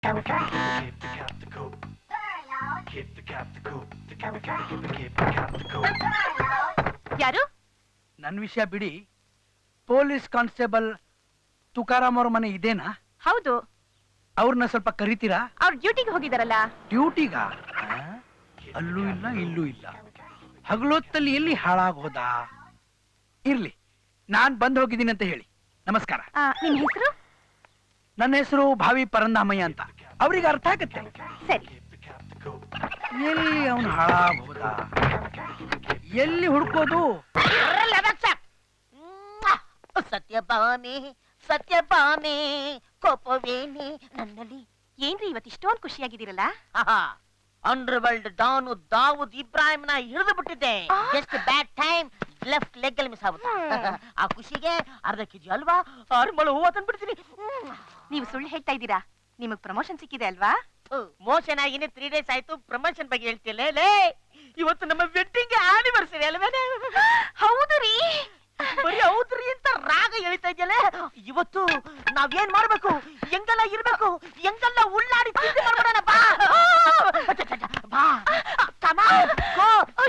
ಯಾರು? ನನ್ನ ವಿಷಯ ಬಿಡಿ. ಪೊಲೀಸ್ ಕಾನ್ಸ್ಟೇಬಲ್ ತುಕಾರಾಮ್ ಅವ್ರ ಮನೆ ಇದೇನಾ? ಹೌದು. ಅವ್ರನ್ನ ಸ್ವಲ್ಪ ಕರಿತೀರಾ? ಅವ್ರ ಡ್ಯೂಟಿಗೆ ಹೋಗಿದಾರಲ್ಲ. ಡ್ಯೂಟಿಗ? ಅಲ್ಲೂ ಇಲ್ಲ ಇಲ್ಲೂ ಇಲ್ಲ. ಹಗಲೊತ್ತಲ್ಲಿ ಎಲ್ಲಿ ಹಾಳಾಗೋದ? ಇರ್ಲಿ, ನಾನ್ ಬಂದ್ ಹೋಗಿದ್ದೀನಿ ಅಂತ ಹೇಳಿ. ನಮಸ್ಕಾರ. ನಿಮ್ ಹೆಸರು? ನನ್ನ ಹೆಸರು ಭಾವಿ ಪರಂದಾಮಯ್ಯ ಅಂತ. ಅವ್ರಿಗೆ ಅರ್ಥ ಆಗತ್ತೆ. ಸರಿ. ಎಲ್ಲಿ ಅವನು ಹಾಳಾಗೋದ? ಎಲ್ಲಿ ಹುಡ್ಕೋದು? ಸತ್ಯಭಾಮೆ ಸತ್ಯಭಾಮೆ ಕೋಪವೇನೆ ನನ್ನಲ್ಲಿ. ಏನ್ರಿ ಇವತ್ತು ಇಷ್ಟೊಂದು ಖುಷಿಯಾಗಿದ್ದೀರಲ್ಲ? ಅಂಡರ್ ವರ್ಲ್ಡ್ ಡಾನು ದಾವೂದ್ ಇಬ್ರಾಹಿಂನ ಹಿಡಿದು ಬಿಟ್ಟಿದ್ದೆ. Just bad time, left leg ಅಲ್ಲಿ ಮಿಸ್ ಆಗುತ್ತೆ. ಆ ಖುಷಿಗೆ ಅರ್ಧ ಕೆಜಿ ಅಲ್ವಾ ಅರ್ಮಳು ಹೂವ ತಂದ್ಬಿಡ್ತೀನಿ. ನೀವು ಸುಳ್ಳು ಹೇಳ್ತಾ ಇದ್ದೀರಾ. ನಿಮಗ್ ಪ್ರಮೋಷನ್ ಸಿಕ್ಕಿದೆ ಅಲ್ವಾ? ಮೋಷನ್ ಆಗಿನೇ 3 days ಆಯ್ತು. ಪ್ರಮೋಷನ್ ಬಗ್ಗೆ ಹೇಳ್ತಿಲ್ಲ. ಲೇ, ಇವತ್ತು ನಮ್ಮ ವೆಡ್ಡಿಂಗ್ ಆನಿವರ್ಸರಿ ಅಲ್ವೇನೆ? ಹೌದು ರೀ. ಬರೀ ಹೌದ್ರಿ ಅಂತ ರಾಗ ಎಳಿತಾ ಇದೆಯಲ್ಲ. ಇವತ್ತು ನಾವೇನ್ ಮಾಡ್ಬೇಕು, ಹೆಂಗೆಲ್ಲ ಇರ್ಬೇಕು, ಹೆಂಗೆಲ್ಲ ಉಳ್ಳಾಡಿ ತಿಂಡಿ ಮಾಡ್ಬಿಡೋಣ. ಬಾ ಬಾ, come on, go.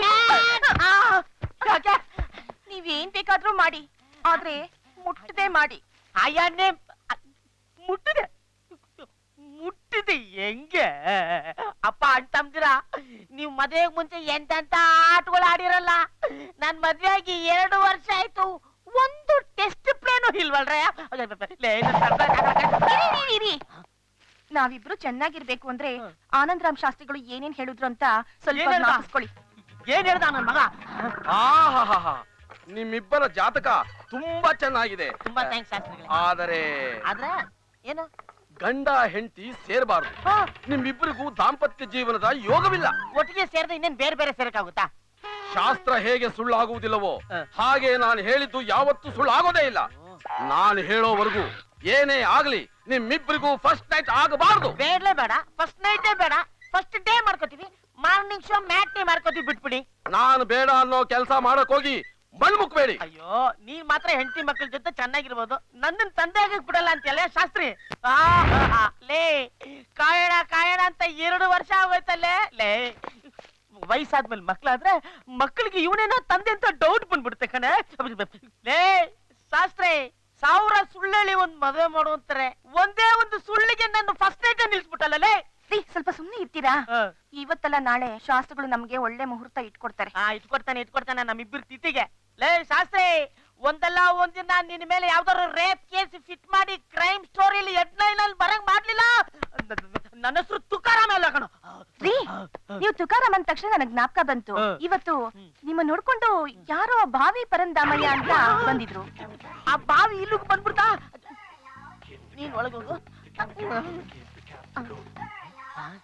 ಯಾಕೆ? ನೀವೇನ್ ಬೇಕಾದ್ರೂ ಮಾಡಿ, ಆದ್ರೆ ಮುಟ್ಟದೆ ಮಾಡಿ. ಅಯ್ಯನ್ನೇ ಮುಟ್ಟಿದೆ ಮುಟ್ಟಿದೆ ಹೆಂಗೆ? ಅಪ್ಪ ಅಂತಂದಿರ ನೀವು ಮದುವೆಗೆ ಮುಂಚೆ ಎಂತೆಂತ ಆಟಗಳು ಆಡಿರಲ್ಲ. ನನ್ ಮದ್ವೆ ಆಗಿ 2 ವರ್ಷ ಆಯ್ತು, ಒಂದು ಟೆಸ್ಟ್ ಪ್ಲೇನು ಇಲ್ವಲ್ರ? ನಾವಿಬ್ರು ಚೆನ್ನಾಗಿರ್ಬೇಕು ಅಂದ್ರೆ ಆನಂದರಾಮ್ ಶಾಸ್ತ್ರಿಗಳು ಏನೇನ್ ಹೇಳಿದ್ರು ಅಂತ ಸ್ವಲ್ಪ ಜ್ಞಾಪಿಸ್ಕೊಳ್ಳಿ. ಏನ್ ಹೇಳ್ದ ನನ್ ಮಗ? ನಿಮ್ಮಿಬ್ಬರ ಜಾತಕ ತುಂಬಾ ಚೆನ್ನಾಗಿದೆ. ತುಂಬಾ ಥ್ಯಾಂಕ್ಸ್ ಶಾಸ್ತ್ರಿಗಳೇ. ಆದರೆ ಏನು? ಗಂಡ ಹೆಂಡತಿ ಸೇರಬಾರದು. ನಿಮ್ಮಿಬ್ಬರಿಗೂ ದಾಂಪತ್ಯ ಜೀವನದ ಯೋಗವಿಲ್ಲ. ಒಟ್ಟಿಗೆ ಸೇರಿದ್ರೆ ಇನ್ನೇನ್ ಬೇರೆ ಬೇರೆ ಸೇರಕ್ಕಾಗುತ್ತಾ? ಶಾಸ್ತ್ರ ಹೇಗೆ ಸುಳ್ಳಾಗುವುದಿಲ್ಲವೋ ಹಾಗೆ ನಾನು ಹೇಳಿದ್ದು ಯಾವತ್ತೂ ಸುಳ್ಳಾಗೋದೇ ಇಲ್ಲ. ನಾನು ಹೇಳೋವರೆಗೂ ಏನೇ ಆಗ್ಲಿ ನಿಮ್ಮಿಬ್ಬರಿಗೂ ಫಸ್ಟ್ ನೈಟ್ ಆಗಬಾರದು. ಬೇಡಲೇ ಬೇಡ, ಫಸ್ಟ್ ನೈಟೇ ಬೇಡ, ಫಸ್ಟ್ ಡೇ ಮಾಡ್ಕೋತೀವಿ. ಮಾರ್ನಿಂಗ್ ಶೋ ಮ್ಯಾಟ್ನಿ ಮಾಡ್ಕೋತೀವಿ. ಬಿಟ್ಬಿಡಿ. ನಾನು ಬೇಡ ಅನ್ನೋ ಕೆಲಸ ಮಾಡಕ್ ಹೋಗಿ ಮಣ್ಮುಕ್ಬೇಡಿ. ಅಯ್ಯೋ, ನೀನ್ ಮಾತ್ರ ಹೆಂಡತಿ ಮಕ್ಕಳ ಜೊತೆ ಚೆನ್ನಾಗಿರ್ಬೋದು, ನನ್ನ ತಂದೆ ಆಗಕ್ ಬಿಡಲ್ಲ ಅಂತೆಲ್ಲ ಶಾಸ್ತ್ರಿ. ಲೇ, ಕಾಯಣ ಕಾಯಣ ಅಂತ 2 ವರ್ಷ ಆಗೋಯ್ತಲ್ಲೇ. ಲೇ, ವಯಸ್ಸಾದ್ಮೇಲೆ ಮಕ್ಳಾದ್ರೆ ಮಕ್ಕಳಿಗೆ ಇವನೇನೋ ತಂದೆ ಅಂತ ಡೌಟ್ ಬಂದ್ಬಿಡುತ್ತೆ ಕಣೆ. ಲೇ ಶಾಸ್ತ್ರಿ, 1000 ಸುಳ್ಳೇಳಿ ಒಂದ್ ಮದುವೆ ಮಾಡುವಂತಾರೆ, ಒಂದೇ ಒಂದು ಸುಳ್ಳಿಗೆ ನನ್ನ ಫಸ್ಟ್ ನೈಟ್ ನಿಲ್ಸ್ಬಿಟ್ಟಲ್ಲ. ಲೇ, ಸ್ವಲ್ಪ ಸುಮ್ನೆ ಇರ್ತೀರಾ? ಇವತ್ತಲ್ಲ ನಾಳೆ ಶಾಸ್ತ್ರಗಳು ನಮ್ಗೆ ಒಳ್ಳೆ ಮುಹೂರ್ತ ಇಟ್ಕೊಡ್ತಾರೆ. ಇಟ್ಕೊಡ್ತಾನೆ ನಮ್ಮಿಬ್ಬರು ತಿಥಿಗೆ. ಲೇ ಶಾಸ್ತ್ರಿ, ಒಂದಲ್ಲ ಒಂದಿನ ನಿನ್ ಮೇಲೆ ಯಾವ್ದಾದ್ರು ರೇಪ್ ಕೇಸ್ ಫಿಟ್ ಮಾಡಿ ಕ್ರೈಮ್ ಸ್ಟೋರಿಲಿ ಹೆಡ್ಲೈನ್ ಅಲ್ಲಿ ಬರಂಗ್ ಮಾಡ್ಲಿಲ್ಲ. ನನ್ನ ಹೆಸರು ತುಕಾರಾಮ್ ಅಲ್ಲ ಕಣೋ. ರೀ, ನೀವು ತುಕಾರಾಮ್ ಅಂದ ತಕ್ಷಣ ನನಗ್ ಜ್ಞಾಪಕ ಬಂತು. ಇವತ್ತು ನಿಮ್ಮ ನೋಡ್ಕೊಂಡು ಯಾರೋ ಭಾವಿ ಪರಂದಾಮಯ್ಯ ಅಂತ ಬಂದಿದ್ರು. ಆ ಬಾವಿ ಇಲ್ಲಿಗೆ ಬಂದ್ಬಿಡ್ತಾ? ನೀನ್ ಒಳಗೋಗು.